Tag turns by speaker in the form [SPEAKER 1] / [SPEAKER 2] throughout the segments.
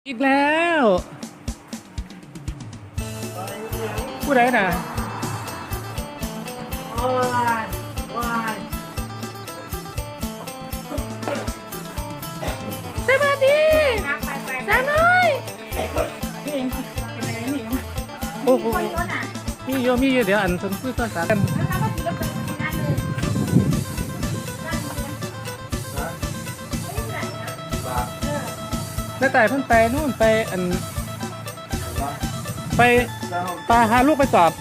[SPEAKER 1] อีกแล้วผู้ใดน่ะสวัสดีสาวน้อยโอ้โหมีเยอะเดี๋ยวอันคนคุยภาษากันน้าแต่เพิ่นไปนู่นไปอันไปปาหาลูกไปสอบ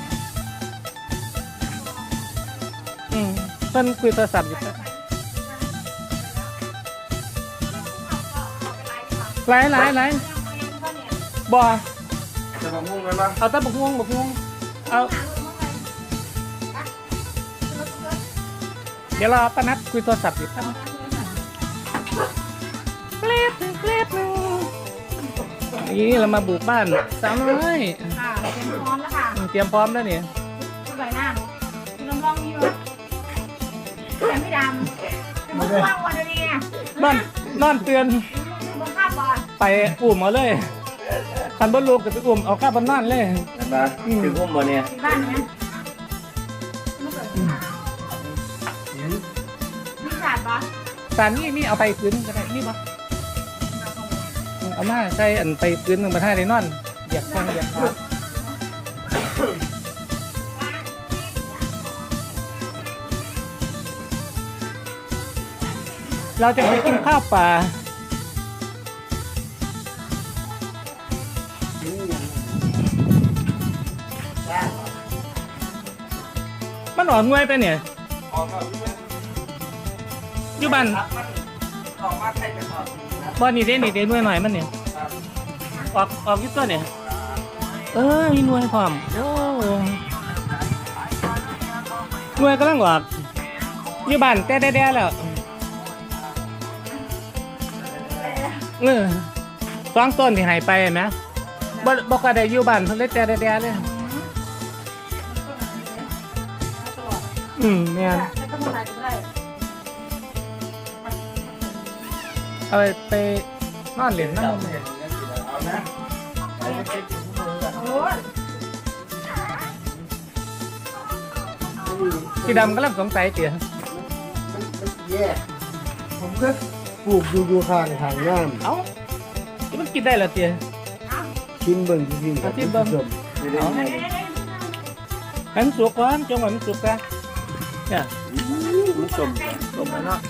[SPEAKER 1] เพิ่นคุยโทรศัพท์อยู่หลายบ่
[SPEAKER 2] จะมามุ่งกันปะ
[SPEAKER 1] เอาแต่บักม่วงเอาเดี๋ยวรอป้านัดคุยโทรศัพท์อยู่ครับเกล็ดนี่เรามาบุกบ้านสาวน้อย
[SPEAKER 3] ค่ะเตรียมพร้อมแล้วค่ะ
[SPEAKER 1] เตรียมพร้อมแล้วเนี่ย
[SPEAKER 3] สวยนะคุณลองอยู่แต่ไม่ดำจะมาว่างวันนี้
[SPEAKER 1] นอนเตือน
[SPEAKER 3] บนข้าบอล
[SPEAKER 1] ไปอุ่มเอาเลยคันบนลูกกับไปอุ่มเอาข้าวบนนอนเลย
[SPEAKER 2] เห็นปะถึงพุ่มบ่เนี่ย
[SPEAKER 3] ที่บ้านเนี้ยไม่เกิดปัญหามีศาสตร์ปะ
[SPEAKER 1] สารนี่เอาไปพื้นก็ได้นี่ปะเอามาใส่อันไปพื้นหนึ่งมาท่าได้นอนเหยียบแข้งเหยียบขาเราจะไปกินข้าวป่ามันอ่อนงวยไปเนี่ยอยู่บ้านบ้านนี่เด้นี่เด้หน่วยหน่อยมันเนี่ยออกอยุตัวเนี่ยมีหน่วยพร้อมโอ้หน่วยกำลังออกอยู่บ้านแต่แด่ๆแล้วสองต้นที่หายไปเห็นไหมบ่ก็ได้อยู่บ้านเพิ่นเลยแต่แด่ๆเลยแม่น
[SPEAKER 3] แล้วก็มาก็ได้
[SPEAKER 1] เอาไปนอนเล่นน้ำมัน
[SPEAKER 2] เอานะ
[SPEAKER 3] โอ้ย
[SPEAKER 1] สีดำกำลังสงสัยเตี๋ย
[SPEAKER 2] มันแย่ผมก็ปลูกอยู่ข้างทางน้ำ
[SPEAKER 1] เอ้าที่มันกินได้เหรอเตี๋ย
[SPEAKER 2] ชิมเบิ่งจริงๆ
[SPEAKER 1] ชิมเบิ่ง
[SPEAKER 3] เอา
[SPEAKER 1] ให้มันสุกก่อนจงไว้มันสุกกันเนี่ย
[SPEAKER 2] มันสม
[SPEAKER 1] สุกแล้วเนาะ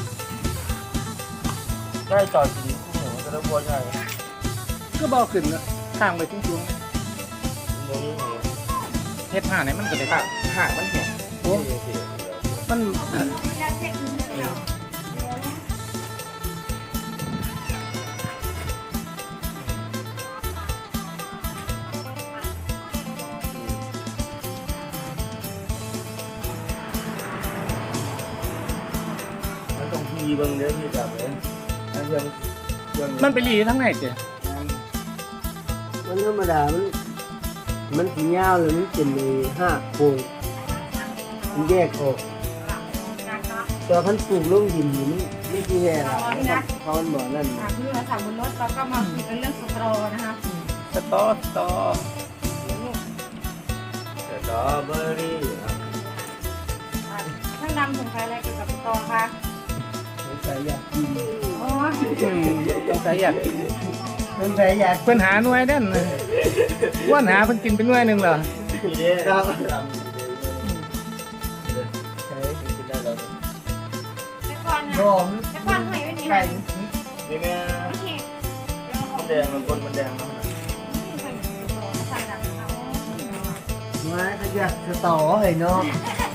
[SPEAKER 2] ได้จอดสีคู่หัวก็ได้บัวใหญ่
[SPEAKER 1] ก็บ่ขึ้นละข้างไปชุ่มๆเฮ็ดห่าไหนมันก็ได้
[SPEAKER 2] ห่างมันแข็ง
[SPEAKER 1] โอ้มัน
[SPEAKER 2] มันต้องทีเบิ่งเด้อที่แบบนี้
[SPEAKER 1] มันไปรีทั้งไหนเตี๋ย
[SPEAKER 4] มันธรรมดา มันสียาวเลยมันเป็นในห้าโค้งมันแยกออกแต่พันปลูกลงดินนี่มันไม่ใช่แย่หรอกเขามันบอกนั่น
[SPEAKER 3] ค่ะคือเราสั่งบนรถเราก็มาคุยกันเรื่องสตรอนะคะ
[SPEAKER 1] สตอ
[SPEAKER 2] สตรอเบอร์รี่
[SPEAKER 3] ท่านดำสงสัยอะไรเกี่ยวกับสตรอคะ
[SPEAKER 4] สงสัยอยากกิน
[SPEAKER 3] อ๋อ
[SPEAKER 1] สงสัยอยาก
[SPEAKER 4] สงสัยอยาก
[SPEAKER 1] เพิ่นหาหน่วยเด่นว่านหาเพิ่นกินเป็นหน่วยหนึ่งเหรอ
[SPEAKER 2] กินได้ครับ
[SPEAKER 3] แต่ก่อนนะ
[SPEAKER 4] หอม
[SPEAKER 3] แต่ก่อนหอยไม่มี
[SPEAKER 4] ไก่
[SPEAKER 2] นี่แม่
[SPEAKER 3] ไม่เห็น
[SPEAKER 2] มันแดงมันบนมันแดงนะ
[SPEAKER 4] ไม้ขยักสตอเฮ้ยเนาะ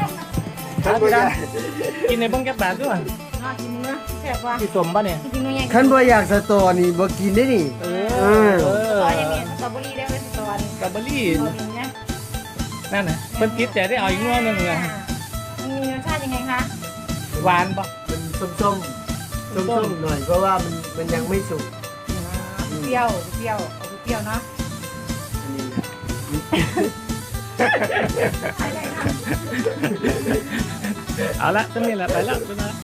[SPEAKER 1] กินในบ้องแก๊บบาทด้วย
[SPEAKER 3] นอนกินเนื้อแซ่บว่ะ
[SPEAKER 1] ที่สมป่ะเนี่ย
[SPEAKER 3] กินเนื้อใหญ่
[SPEAKER 4] ขันบ่อยากสตอนี่บ่กินได้นี่
[SPEAKER 3] สตออย่างนี้สตรอเบอรี่ได้ไหมสตรอ
[SPEAKER 1] กับบอร์รี่
[SPEAKER 3] อย่างเงี้ย
[SPEAKER 1] นั่นน่ะเพิ่นคิดใจได้เอาอีกหน่วยหนึงเลย
[SPEAKER 3] มันมีรสชาติยังไงคะ
[SPEAKER 1] หวานป่ะ
[SPEAKER 4] มันส้มๆหน่อยเพราะว่ามันยังไม่สุก
[SPEAKER 3] เปรี้ยวเปรี้ยวเอาเปรี้ยวเนาะ
[SPEAKER 4] อันนี้
[SPEAKER 1] เอาละจะมีอะไรไปแล้ว